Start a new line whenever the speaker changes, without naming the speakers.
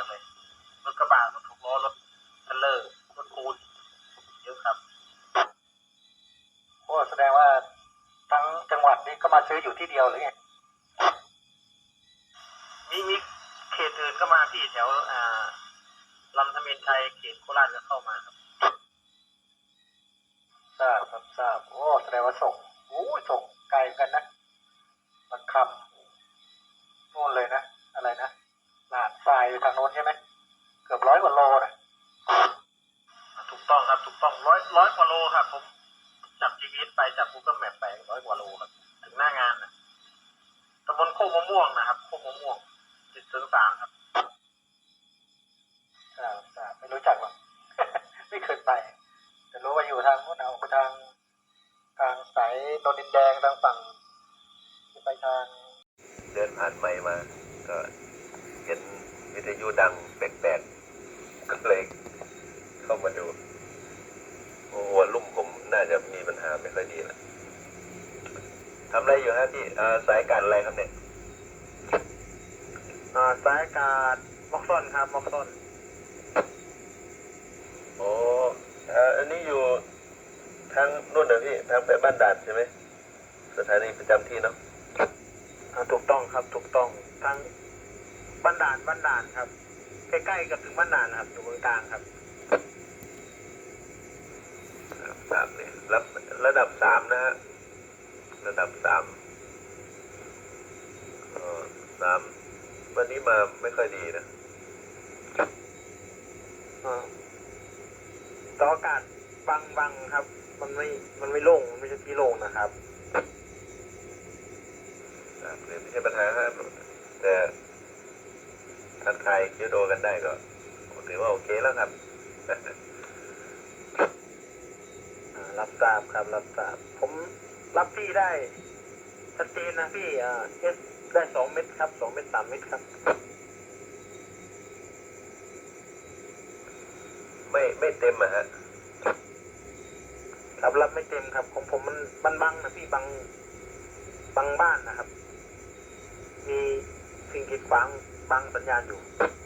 ากเลยรถกระบะรถ6 ล้อรถเทรลเลอร์รถปูนเยอะครับ
โอ้แสดงว่าทั้งจังหวัดนี้ก็มาซื้ออยู่ที่เดียวหรือไง
มีเขตอื่นก็มาที่แถวลำธเมนชัยเขตโคราชก็เข้ามาครับ
ทราบครับทราบโอ้แสดงว่าส่งส่งไกลกันนะมันคำนู่นเลยนะอะไรนะลาดทรายไปทางโน้นใช่ไหมเกือบ100 กว่าโลนะ
ถูกต้องครับถูกต้องร้อยกว่าโลครับผมจับ GPS ไปจับ Google Map ไป100 กว่าโลครับถึงหน้างานนะตำบลโคกมะม่วงนะครับโคกมะม่วง3ครับ
ทราบไม่รู้จักหรอก ไม่เคยไปแต่รู้ว่าอยู่ทางโน้นเอาไปทางสายโนนดินแดงทางฝั่งที่ไปทาง
เดินผ่านไมค์มาก็เห็นวิทยุดังแปลกๆก็เลยเข้ามาดูหัวลุ่มผมน่าจะมีปัญหาไม่ค่อยดีละทำอะไรอยู่ฮะพี่สายการอะไรครับเนี่ย
สายการม็อกซอนครับม็อกซอน
โอ้อันนี้อยู่ทางนู่นนะพี่ทางไปบ้านด่านใช่ไหมสถานีประจำที่เนาะ
ถูกต้องครับถูกต้องทางบ้านด่านครับใกล้ๆกับถึงบ้านด่านครับอยู่ตรงกลางครับ
3เนี่ยระดับ3นะฮะระดับ3วันนี้มาไม่ค่อยดีนะ
ต่ออากาศบังครับมันไม่โล่งมันไม่ใช่ที่โล่งนะครับ
ไม่ใช่ปัญหาครับแต่ทักทายเคียวโดกันได้ก็ถือว่าโอเคแล้วครับ
รับทราบครับรับทราบผมรับพี่ได้ชัดเจนนะพี่เอสได้2 เม็ดครับ2 เม็ด3 เม็ดครับ
ไม่เต็มอะฮะ
ครับรับไม่เต็มครับของผมมันบังนะพี่บังบ้านนะครับมีสิ่งกีดขวางบังสัญญาณอยู่